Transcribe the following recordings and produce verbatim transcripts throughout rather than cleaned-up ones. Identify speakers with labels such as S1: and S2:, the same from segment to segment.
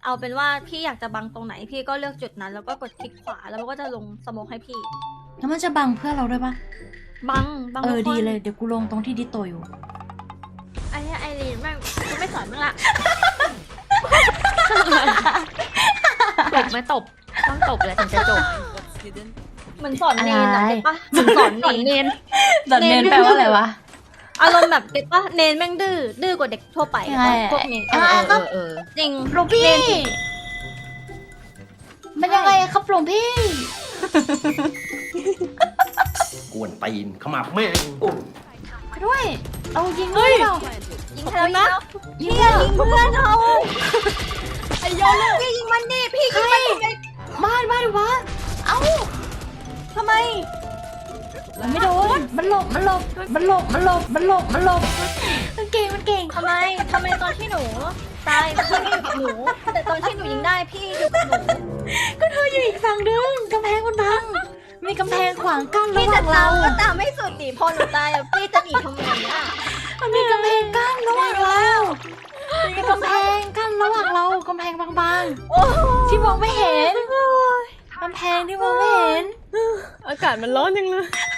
S1: เอาเป็นว่าพี่อยากจะบังตรงไหนพี่ก็เลือกจุดนั้นแล้วก็กดคลิกขวาแล้วมันก็จะลงสโมกให้พี่
S2: แล้วมันจะบังเพื่อนเราด้วยปะ
S1: บังบัง
S2: เออ
S1: ทุกคน
S2: ดีเลยเดี๋ยวกูลงตรงที่ดิโตอยู่
S1: ไอ้เนี่ยไอรีนแม่งกูไม่สอนมึงละ
S3: ตบไม่ตบต้องตบเลยถึงจะจบ
S1: เหมือนสอนเนนอะ
S2: อะไร
S1: เก็ตปะเหมือนสอนเนน
S3: เนน
S2: แต่เน้นแปลว่าอะไรวะ
S1: อารมณ์แบบเก็ตปะเนนแม่งดื้อดื้อกว่าเด็กทั่วไป
S2: ยังไง
S1: พวกเนน
S2: อ่ะ
S1: เออ
S3: เออเออ
S1: จริง
S2: หลวงพี่
S1: เนน
S2: มันยังไงครับหลวงพี่
S4: กวนตีนขมับแม่งโอ้
S2: ด้วยเอายิงด้วยเปล่า
S1: ยิงเธอนะ
S2: ยิง
S1: พี่
S2: เหรอ
S1: ยิงเพื่อนเขาไอ้โยนเลยพี่ยิงมันดิพี่ยิงมันดิ
S2: บ้านบ้านวะเอ้า
S1: ทำไม
S2: มันไม่โดนมันหลบมันหลบมันหลบมันหลบมันหลบมันหลบมันเก่งมันเก่ง
S1: ทำไมทำไมตอนที่หนูตายพี่ไม่อยู่กับหนู แต่ตอนที่หนูยิงได้พี่อยู่กับหนู
S2: ก็เธออยู่อีกฝั่งนึงกำแพงมันบังมีกำแพงขวางกั้นระ
S1: พี่
S2: ห
S1: จะ
S2: ว่าง
S1: ตา
S2: เรา
S1: มก็ตามไม่สุดดิพอหนูตายอะพี่จะหนีทำไมอะ
S2: มันมีกำแพงกั้นระหว่างเรามีกำแพงกั้นระหว่างเรากำแพงบาง
S1: โอ้
S2: ๆที่มองไม่เห็นกำแพงที่มองไม่เห็น
S3: อากาศมันร้อนจังเลย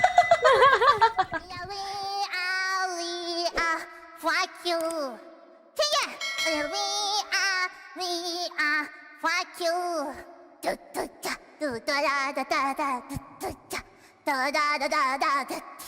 S5: We are, we are, fuck you. Yeah, we are, we are, fuck you. Do do da, do da da da da da, do da da da da da da da.